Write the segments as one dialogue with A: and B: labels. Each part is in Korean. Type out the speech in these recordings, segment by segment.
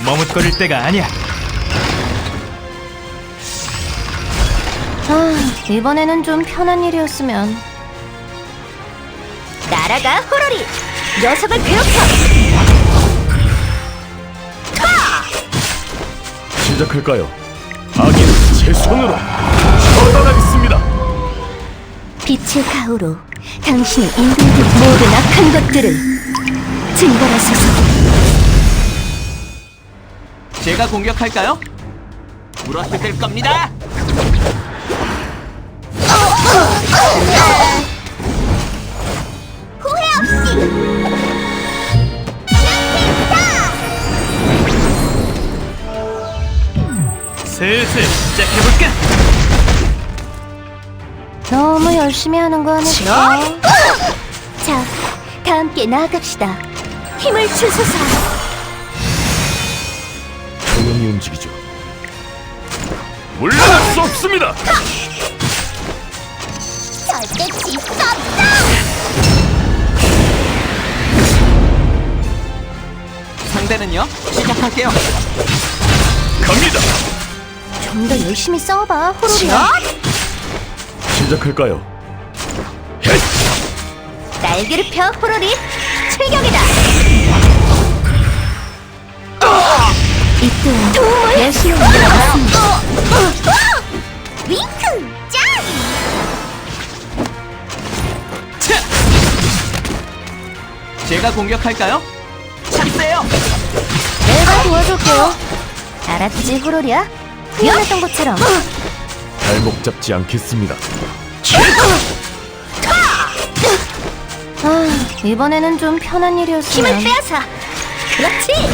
A: 머뭇거릴 때가 아니야.
B: 이번에는 좀 편한 일이었으면. 날아가 호로리! 녀석을 괴롭혀!
C: 시작할까요? 악인은 제 손으로 처단하겠습니다.
B: 빛의 가호로 당신의 인도에게 모든 악한 것들을 증발하소서.
D: 제가 공격할까요? 물어뜯을 겁니다.
B: 후회 없이!
A: 슬슬 시작해볼까?
B: 너무 열심히 하는 거 아닐까? 자, 다 함께 나아갑시다. 힘을 주소서.
C: 조용히 움직이죠. 물러날 수 없습니다.
B: 절대 질 수 없다!
D: 상대는요? 시작할게요.
C: 갑니다.
B: 좀 더 열심히 싸워봐, 호로리야.
C: 시작할까요? 헤이!
B: 날개를 펴, 호로리. 출격이다. 이때 도움을 열심히 만들어봤습니다. 윙크! 짱!
D: 제가 공격할까요? 찬스예요.
B: 내가 도와줄게요. 알았지, 호로리야? 후연했던 것처럼.
C: 발목 잡지 않겠습니다.
B: 이번에는 좀 편한 일이었으면. 힘을 빼앗아. 그렇지.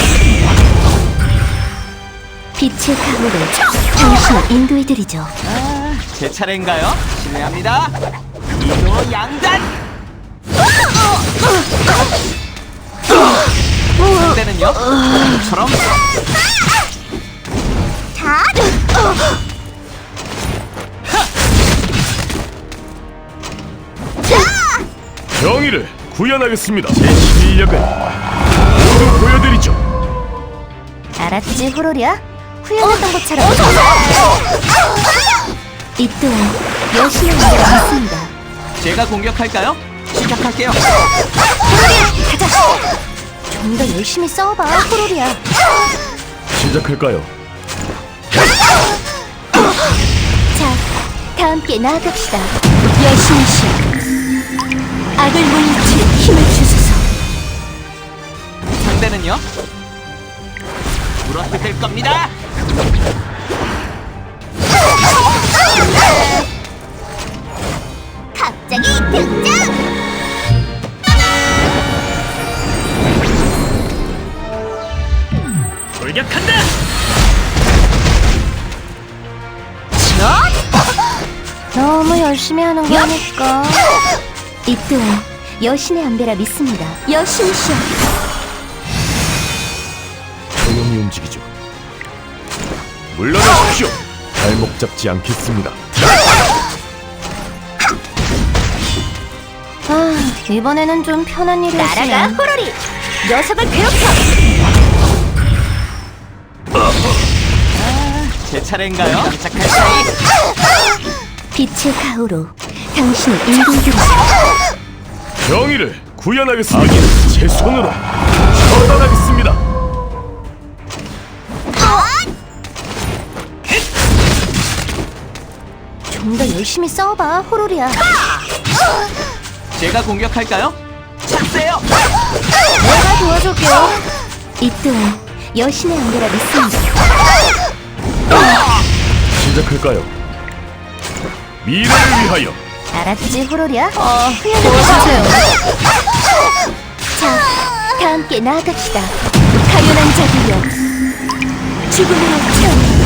B: 빛의 가호로 당신을 인도해드리죠.
D: 제 차례인가요? 실례합니다. 이도 양단. 상대는요? 처럼
C: 정의를 구현하겠습니다. 제 실력을 모두 보여드리죠.
B: 알았지, 호로리야? 후연했던 것처럼. 이 또한 여신의 인도를 믿습니다.
D: 제가 공격할까요? 시작할게요.
B: 호로리야, 가자. 좀 더 열심히 싸워봐, 호로리야.
C: 시작할까요?
B: 자, 다 함께 나아갑시다. 여신의 신, 악을 물리칠 힘을 주소서.
D: 상대는요? 물어뜯을 겁니다.
B: 갑자기 등장!
A: 돌격한다!
B: 너무 열심히 하는 거 아닐까? 이 또한 여신의 안배라 믿습니다. 여신이시여.
C: 조용히 움직이죠. 물러나십시오. 발목 잡지 않겠습니다.
B: 이번에는 좀 편한 일이었으면. 날아가, 호로리! 녀석을 괴롭혀!
D: 제 차례인가요? 깜짝할 사이.
B: 빛의 가호로 당신을 인도해드리죠.
C: 정의를 구현하겠습니다. 악인은 제 손으로 처단하겠습니다.
B: 좀 더 열심히 싸워봐, 호로리야.
D: 제가 공격할까요? 찬스예요.
B: 내가 도와줄게요. 이 또한 여신의 안배라 믿습니다.
C: 시작할까요? 미래를 위하여.
B: 알았지, 호로리야? 도와주세요. 자, 다 함께 나아갑시다. 가련한 자들여, 죽음으로 태어나.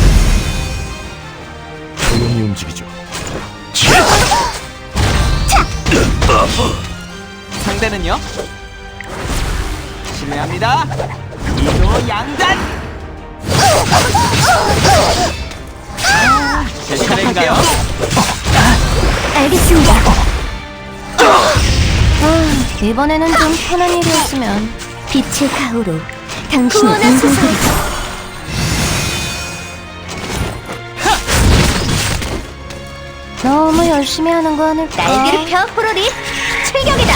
C: 조용히 움직이죠.
D: 상대는요? 실례합니다. 이도 양단. 제 차례인가요?
B: 알겠습니다. 이번에는 좀 편한 일이었으면. 빛의 가호로 당신의 인생을 너무 열심히 하는 거 아닐까? 날개를 펴, 호로리! 출격이다!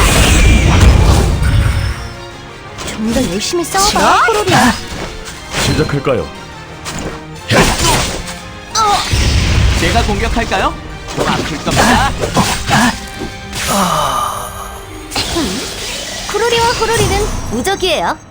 B: 좀 더 열심히 싸워봐, 호로리야!
C: 시작할까요?
D: 제가 공격할까요? 좀 아플 겁니다.
B: 쿠로리와 호로리는 무적이에요.